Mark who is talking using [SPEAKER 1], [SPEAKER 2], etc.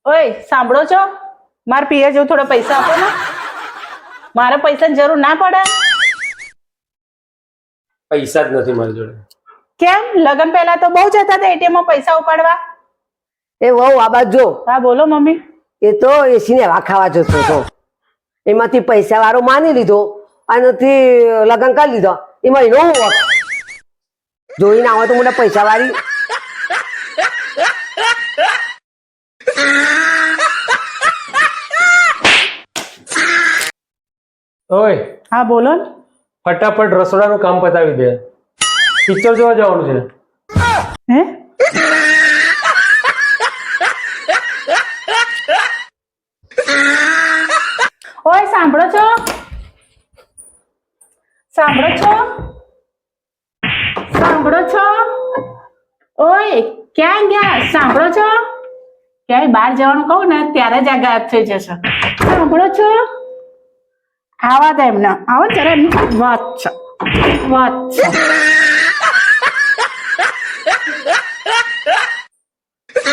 [SPEAKER 1] ઓય સાંભળો છો? મારે પીએ જેવું થોડા પૈસા આપો ને. મારે પૈસાની જરૂર ના પડે.
[SPEAKER 2] પૈસા જ નથી મારી જોડે.
[SPEAKER 1] કેમ? લગ્ન પહેલા તો બહુ જતા હતા એટીએમ માં પૈસા ઉપાડવા.
[SPEAKER 3] એ વહુ આ બાજુ જો.
[SPEAKER 1] હા બોલો મમ્મી.
[SPEAKER 3] એ તો એસી ને હવા ખાવા જતો હતો. એમાંથી પૈસા વાળો માની લીધો અને લગ્ન કરી લીધો. એમાં એનો વોક જોઈને આવે તો મને પૈસા વાળી.
[SPEAKER 2] ઓય
[SPEAKER 1] હા બોલો ને.
[SPEAKER 2] ફટાફટ રસોડાનું કામ પતાવી દે. પિક્ચર જોવા જવાનું છે.
[SPEAKER 1] હે? ઓય સાંભળો છો? સાંભળો છો? સાંભળો છો? ઓય ક્યાં ગયા? સાંભળો છો? ક્યાંય બહાર જવાનું કહું ને ત્યારે જ આ ગાયબ થઈ જશે. સાંભળો છો? આવા દે એમને. આવો જરા એમની વાત છે. વાત છે.